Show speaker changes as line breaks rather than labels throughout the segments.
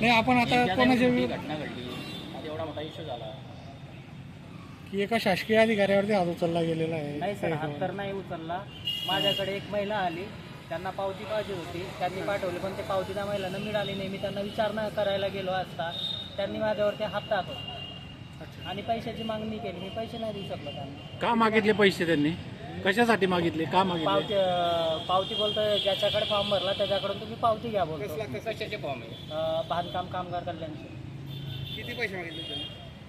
नाही आपण आता कोणाच्या
घटना घडली, आज एवढा मोठा इश्यू झाला
की एका शासकीय अधिकाऱ्यावरती हात उचलला गेलेला आहे.
नाही सर, हात तर नाही उचलला. माझ्याकडे एक महिला आली, त्यांना पावती पाहिजे होती, त्यांनी पाठवली, पण ते पावती त्या महिलांना मिळाली नाही. मी त्यांना विचारणा करायला गेलो असता त्यांनी माझ्यावरती हात टाकला आणि पैशाची मागणी केली. मी पैसे नाही देऊ शकलो त्यांना.
का मागितले पैसे त्यांनी? कशासाठी मागितले? का मागितले?
पावती बोलतोय, ज्याच्याकडे फॉर्म भरला त्याच्याकडून तुम्ही पावती घ्या बोलतो.
कशाचे फॉर्म आहे?
बांधकाम कामगार कल्याणचे.
किती पैसे मागितले त्यांनी?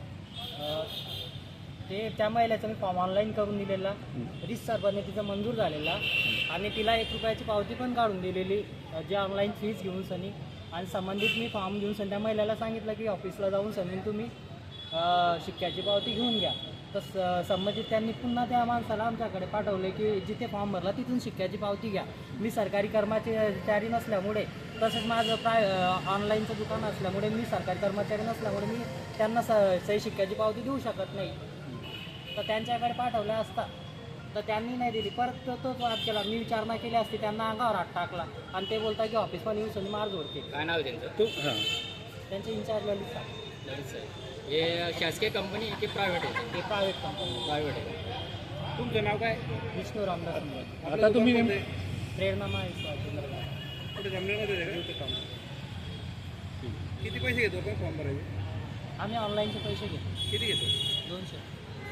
ते त्या महिलेचा मी फॉर्म ऑनलाईन करून दिलेला, रितसर पद्धतीचा मंजूर झालेला आणि तिला 1 रुपयाची पावती पण काढून दिलेली, जे ऑनलाईन फीज घेऊन सनी. आणि संबंधित मी फॉर्म घेऊन सनी त्या महिलेला सांगितलं की ऑफिसला जाऊन सनी तुम्ही शिक्क्याची पावती घेऊन घ्या. तर संबंधित त्यांनी पुन्हा त्या माणसाला आमच्याकडे पाठवले की जिथे फॉर्म भरला तिथून शिक्क्याची पावती घ्या. मी सरकारी कर्मचारी नसल्यामुळे, तसेच माझं ऑनलाईनचं दुकान असल्यामुळे, मी सरकारी कर्मचारी नसल्यामुळे मी त्यांना सही शिक्क्याची पावती देऊ शकत नाही. तर त्यांच्याकडे पाठवलं असता तर त्यांनी नाही दिली. परत तोच वाद केला. मी विचारणा केली असती, त्यांना अंगावर हात टाकला आणि ते बोलता की ऑफिस पण येऊन सनी मार जोडते.
काय नाव आहे त्यांचं?
त्यांचे इंचार्ज ललित साहेब.
ललित साहेब. हे शासकीय कंपनी की प्रायव्हेट आहे?
ते प्रायव्हेट कंपनी.
प्रायव्हेट आहे. तुमचं नाव काय?
विष्णू रामदास मुंबई.
आता तुम्ही
प्रेरणा माहिती
कुठे जमलेलं काम? किती पैसे घेतो आपण फॉर्म भरायचे?
आम्ही ऑनलाईनचे पैसे घेतो.
किती घेतो?
200.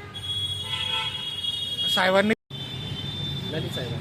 साहेबांनी
ललित साहेब.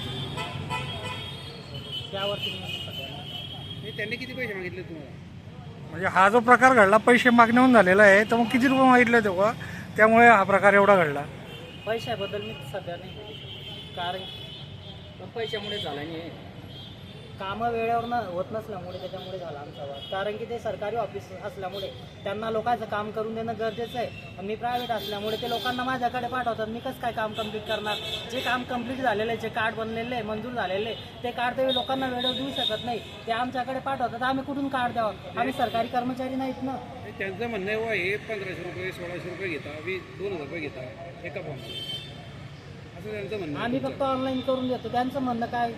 त्यावरती
त्यांनी किती पैसे मागितले तुम्हाला?
म्हणजे हा जो प्रकार घडला पैसे मागण्याहून झालेला आहे, तर मग किती रुपये मागितले तेव्हा? त्यामुळे हा प्रकार एवढा घडला.
पैशाबद्दल मी सध्या नाही बोलू शकत. कारण
पण पैशामुळे झाला नाही.
कामं वेळेवर होत नसल्यामुळे त्याच्यामुळे झाला आमचा वाद. कारण की ते सरकारी ऑफिस असल्यामुळे त्यांना लोकांचं काम करून देणं गरजेचं आहे. आणि मी प्रायव्हेट असल्यामुळे ते लोकांना माझ्याकडे पाठवतात. मी कसं काय काम कंप्लीट करणार? जे काम कंप्लीट झालेलं आहे, जे कार्ड बनलेले आहे, मंजूर झालेले आहे, ते कार्ड ते लोकांना वेळेवर देऊ शकत नाही. ते आमच्याकडे पाठवतात. आम्ही कुठून कार्ड द्यावं? आम्ही सरकारी कर्मचारी नाहीत ना.
त्यांचं म्हणणं आहे हे 1500 रुपये 1600 रुपये घेता, 2000 रुपये घेता एका फॉर्म, असं त्यांचं म्हणणं.
आम्ही फक्त ऑनलाईन करून देतो. त्यांचं म्हणणं काय?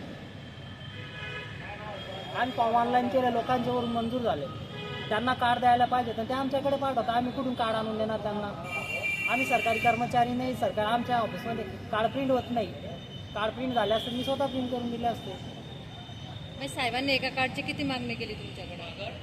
आम्ही फॉर्म ऑनलाईन केले, लोकांच्यावरून मंजूर झाले, त्यांना कार्ड द्यायला पाहिजे तर ते आमच्याकडे पाठवतात. आम्ही कुठून कार्ड आणून देणार त्यांना? आम्ही सरकारी कर्मचारी नाही. आमच्या ऑफिसमध्ये कार्ड प्रिंट होत नाही. कार्ड प्रिंट झाले असते मी स्वतः प्रिंट करून दिले असते.
साहेबांनी एका कार्डची किती मागणी केली तुमच्याकडे?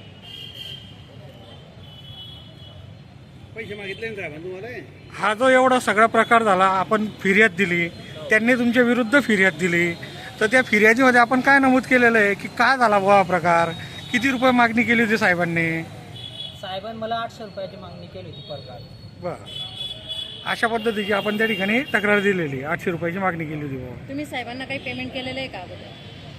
पैसे मागितले ना साहेबांनी तुम्हाला?
हा जो एवढा सगळा प्रकार झाला, आपण फिर्याद दिली, त्यांनी तुमच्या विरुद्ध फिर्याद दिली, तर त्या फिर्यादीमध्ये आपण काय नमूद केलेलं आहे की काय झाला बुवा प्रकार? किती रुपये मागणी केली होती साहेबांनी?
साहेबांनी मला 800 रुपयाची मागणी केली होती पर कार्ड.
बरं, अशा पद्धतीची आपण त्या ठिकाणी तक्रार दिलेली, 800 रुपयाची मागणी केली होती बुवा.
तुम्ही साहेबांना काही पेमेंट केलेलं आहे का अगोदर?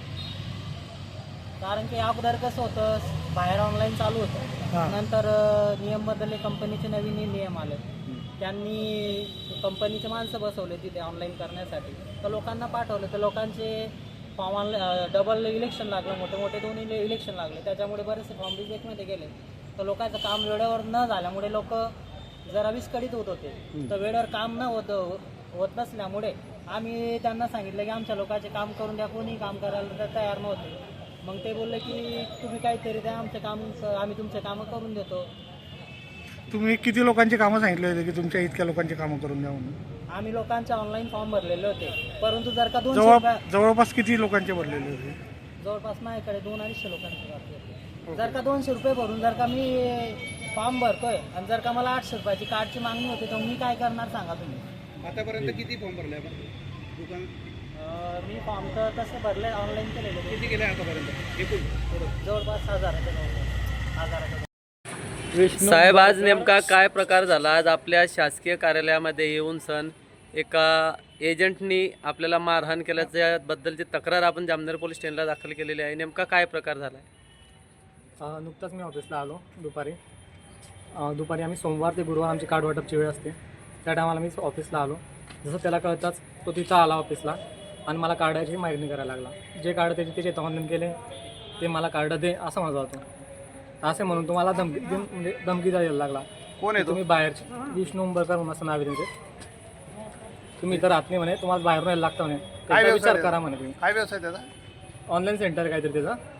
कारण की अगोदर कसं होतं, बाहेर ऑनलाईन चालू होतं, नंतर नियम बदलले, कंपनीचे नवीन नियम आले, त्यांनी कंपनीचे माणसं बसवले तिथे ऑनलाईन करण्यासाठी. तर लोकांना पाठवलं, तर लोकांचे फॉर्म ऑनलाईन डबल इलेक्शन लागलं, मोठे मोठे 2 इलेक्शन लागले, त्याच्यामुळे बरेचसे फॉर्म रिजेक्टमध्ये गेले. तर लोकांचं काम वेळेवर न झाल्यामुळे लोक जरा विस्कळीत होत होते. तर वेळेवर काम न होत नसल्यामुळे आम्ही त्यांना सांगितलं की आमच्या लोकांचे काम करून द्या. कोणी काम करायला तर तयार नव्हते. मग ते बोलले की तुम्ही काहीतरी द्या, आमचे काम आम्ही तुमचे कामं करून देतो.
तुम्ही किती लोकांची कामं सांगितले होते की तुमच्या इतक्या लोकांची कामं करून द्या म्हणून?
आम्ही लोकांचे ऑनलाईन फॉर्म भरलेले होते, परंतु जर का 200
जवळपास किती लोकांचे भरलेले होते?
जवळपास माझ्याकडे 200-250 लोकांचे बाकी होते. जर का 200 रुपये भरून जर का मी फॉर्म भरतोय आणि जर का मला 800 रुपयाची कार्डची मागणी होते, तर मी काय करणार सांगा तुम्ही?
आतापर्यंत किती फॉर्म भरले आपण दुकान?
मी फॉर्म तर तसे भरले, ऑनलाईन केलेले.
किती केले आतापर्यंत एकूण?
जवळपास 1000.
साहेब, आज नेमका काय प्रकार झाला? आज आपल्या शासकीय कार्यालयामध्ये येऊन एका एजंटनी आपल्याला मारहाण केल्याच्याबद्दलची तक्रार आपण जामनेर पोलीस स्टेशनला दाखल केलेली आहे. नेमका काय प्रकार झाला आहे?
नुकताच मी ऑफिसला आलो दुपारी आम्ही सोमवार ते गुरुवार आमची कार्ड वाटपची वेळ असते. त्या टायमाला मी ऑफिसला आलो. जसं त्याला कळताच तो तिथं आला ऑफिसला आणि मला कार्डाची मागणी करायला लागला. जे कार्ड त्याचे ऑनलाईन केले ते मला कार्ड दे असं माझा होतो. असे म्हणून तुम्हाला धमकी द्यायला लागला.
कोण आहे
तुम्ही बाहेरचे? विष्णू उंबरकर म्हणून असं नाव आहे त्यांचे. तुम्ही तर राहत नाही म्हणे, तुम्हाला बाहेरून यायला लागतं म्हणे. काय विचार करा म्हणे तुम्ही.
काय व्यवसाय त्याचा?
ऑनलाईन सेंटर काहीतरी त्याचा.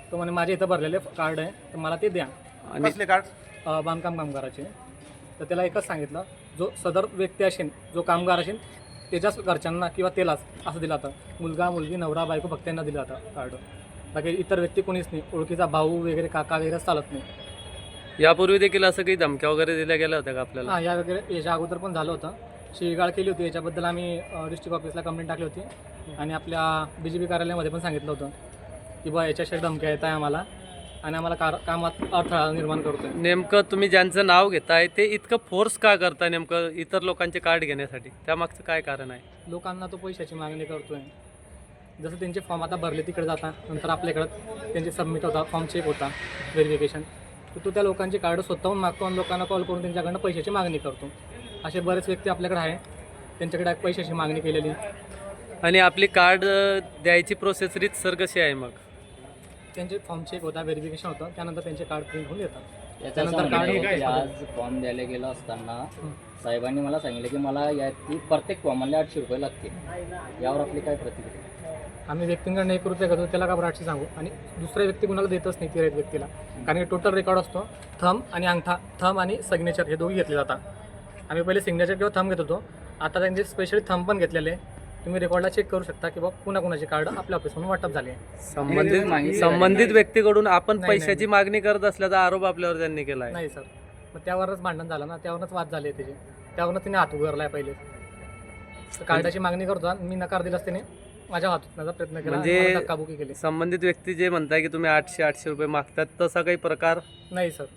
तो म्हणे माझे इथं भरलेले कार्ड आहे तर मला ते द्या.
आणि
बांधकाम कामगाराचे. तर त्याला एकच सांगितलं, जो सदर व्यक्ती असेल, जो कामगार असेल त्याच्याच घरच्यांना किंवा त्यालाच असं दिलं जातं. मुलगा मुलगी नवरा बायको फक्त त्यांना दिलं जातं कार्ड. बाकी इतर व्यक्ती कोणीच नाही, ओळखीचा भाऊ वगैरे काका वगैरे चालत नाही.
यापूर्वी देखील असं काही धमक्या वगैरे दिल्या गेल्या होत्या का आपल्याला?
हां, या वगैरे याच्या अगोदर पण झालं होतं. शिवीगाळ केली होती. याच्याबद्दल आम्ही डिस्ट्रिक्ट ऑफिसला कंप्लेंट टाकली होती आणि आपल्या BJP कार्यालयामध्ये पण सांगितलं होतं की बा याच्याशी धमक्या येत आहे आम्हाला आणि आम्हाला कामात अडथळा निर्माण करतोय.
नेमकं तुम्ही ज्यांचं नाव घेताय ते इतकं फोर्स का करताय नेमकं इतर लोकांचे कार्ड घेण्यासाठी? त्यामागचं काय कारण आहे?
लोकांना तो पैशाची मागणी करतोय. जसं त्यांचे फॉर्म आता भरले तिकडे जाता, नंतर आपल्याकडं त्यांचे सबमिट होता, फॉर्म चेक होता, व्हेरिफिकेशन, तर तो त्या लोकांचे कार्ड स्वतःहून मागतो आणि लोकांना कॉल करून त्यांच्याकडनं पैशाची मागणी करतो. असे बरेच व्यक्ती आपल्याकडे आहे, त्यांच्याकडे पैशाची मागणी केलेली.
आणि आपली कार्ड द्यायची प्रोसेस रीतसर कशी आहे मग?
त्यांचे फॉर्म चेक होता, व्हेरिफिकेशन होतं, त्यानंतर त्यांचे कार्ड प्रिंट होऊन येतात.
त्याच्यानंतर
कार्ड
आज फॉर्म द्यायला गेलो असताना साहेबांनी मला सांगितलं की मला याची प्रत्येक फॉर्मला 800 रुपये लागतील. यावर आपली काय प्रतिक्रिया?
आम्ही व्यक्तींकडनं 1 रुपये घेतो, त्याला का बरं 800 सांगू? आणि दुसऱ्या व्यक्ती कुणाला देतच नाही तिरेत व्यक्तीला, कारण की टोटल रेकॉर्ड असतो. थंब आणि अंगठा, थंब आणि सिग्नेचर हे दोघी घेतले जातात. आम्ही पहिले सिग्नेचर किंवा थंब घेत होतो, आता त्यांचे स्पेशली थंब पण घेतलेले. तुम्ही रेकॉर्डला चेक करू शकता की बाबा कुणाकुणाचे कार्ड आपल्या ऑफिसमधून वाटप झाले.
संबंधित व्यक्तीकडून आपण
नाही,
पैशाची मागणी करत असल्याचा आरोप आपल्यावर त्यांनी केला आहे.
नाही सर, मग त्यावरच भांडण झालं ना, त्यावरच वाद झाले त्याचे, त्यावरच तिने हात उगारलाय पहिले. तर कार्डाची मागणी करतो, मी नकार दिलास त्याने माझ्या हातून प्रयत्न केला,
म्हणजे
धक्काबुकी केली.
संबंधित व्यक्ती जे म्हणताय की तुम्ही 800 रुपये मागतात, तसा काही प्रकार
नाही सर.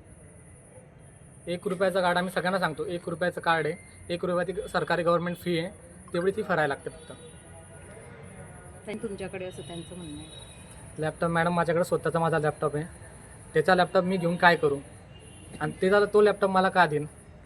1 रुपयाचं कार्ड आम्ही सगळ्यांना सांगतो, 1 रुपयाचं कार्ड आहे, 1 रुपयाची सरकारी गव्हर्नमेंट फी आहे, तेवढी ती भरायला लागते फक्त.
तुमच्याकडे असं त्यांचं म्हणणं आहे.
लॅपटॉप मॅडम माझ्याकडे स्वतःचा माझा लॅपटॉप आहे, त्याचा लॅपटॉप मी घेऊन काय करू? आणि ते झालं, तो लॅपटॉप मला का देईन?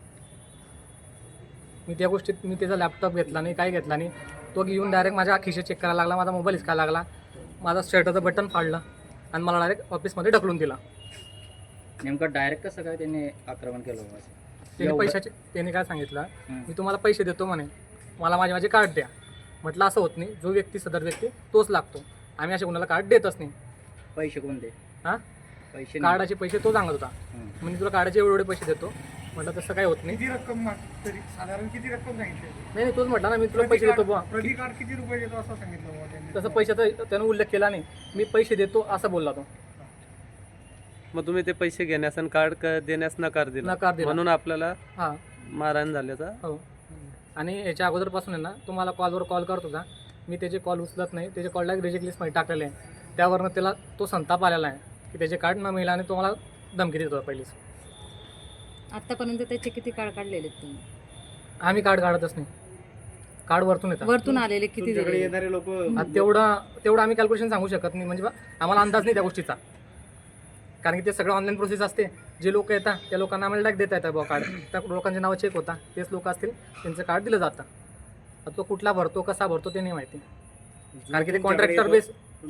मी त्या गोष्टीत मी त्याचा लॅपटॉप घेतला नाही, काय घेतला नाही. तो घेऊन डायरेक्ट माझ्या खिशे चेक करायला लागला, माझा मोबाईल हिसकायला लागला, माझा शर्टाचं बटन फाडलं आणि मला डायरेक्ट ऑफिसमध्ये ढकलून दिला.
नेमकं डायरेक्ट कसं काय त्यांनी आक्रमण केलं होतं?
त्याने काय सांगितलं, मी तुम्हाला पैसे देतो म्हणे, मला माझे कार्ड द्या. म्हटलं असं होत नाही, जो व्यक्ती सदर व्यक्ती तोच लागतो, आम्ही असे कोणाला कार्ड देतच नाही.
पैसे कोणते?
हां,
पैसे
कार्डाचे पैसे तो सांगत होता. म्हणजे तुला कार्डाचे एवढे पैसे देतो. म्हटलं तसं काय होत नाही.
किती रक्कम तरी साधारण किती रक्कम सांगितली?
नाही, तोच म्हटला ना, मी तुला पैसे देतो बुवा.
प्रति कार्ड किती रुपये देतो असं सांगितलं बुवा त्यांनी.
तसं पैशाचा त्यानं उल्लेख केला नाही, मी पैसे देतो असं बोलला तो.
मग तुम्ही ते पैसे घेण्यास आणि कार्ड देण्यास नकार दिला,
नकार दिला.
म्हणून आपल्याला
हां,
मारहाण झाल्याचा.
हो. आणि याच्या अगोदरपासून आहे ना, तुम्हाला कॉलवर कॉल करत होता, मी त्याचे कॉल उचलत नाही, त्याचे कॉलला रिजेक्ट लिस्टमध्ये टाकलेले आहे. त्यावरनं त्याला तो संताप आलेला आहे की त्याचे कार्ड न मिळालं आणि तो मला धमकी देत होता पहिलीच.
आतापर्यंत त्याचे किती कार्ड काढलेले आहेत तुम्ही?
आम्ही कार्ड काढतच नाही, कार्ड वरतून येतात.
वरतून आलेले किती दिलेले?
येणारे लोक
आता तेवढं आम्ही कॅल्क्युलेशन सांगू शकत नाही, म्हणजे आम्हाला अंदाज नाही त्या गोष्टीचा, कारण की ते सगळं ऑनलाईन प्रोसेस असते. जे लोक येतात त्या लोकांना आम्हाला डायरेक्ट देता येतात बुवा कार्ड, त्या लोकांचे नावं चेक होता, तेच लोक असतील त्यांचं कार्ड दिलं जातं. आता तो कुठला भरतो, कसा भरतो ते नाही माहिती, कारण की ते कॉन्ट्रॅक्टर बेस.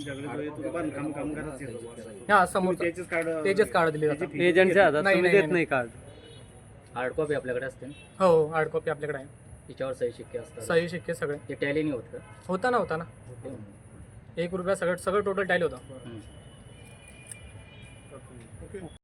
हां, समोर तेजेच कार्ड दिले जातात.
एजंटच्या हातात
नाही,
तुम्ही
नाही,
देत नाही कार्ड.
हार्ड कॉपी आपल्याकडे असते ना,
हो, हार्ड कॉपी आपल्याकडे आहे,
तिच्यावर सही शिक्के असतात.
सही शिक्के सगळे.
ते टॅली नाही होत का?
होता ना 1 रुपया सगळं टोटल टाईल होतं.
हं.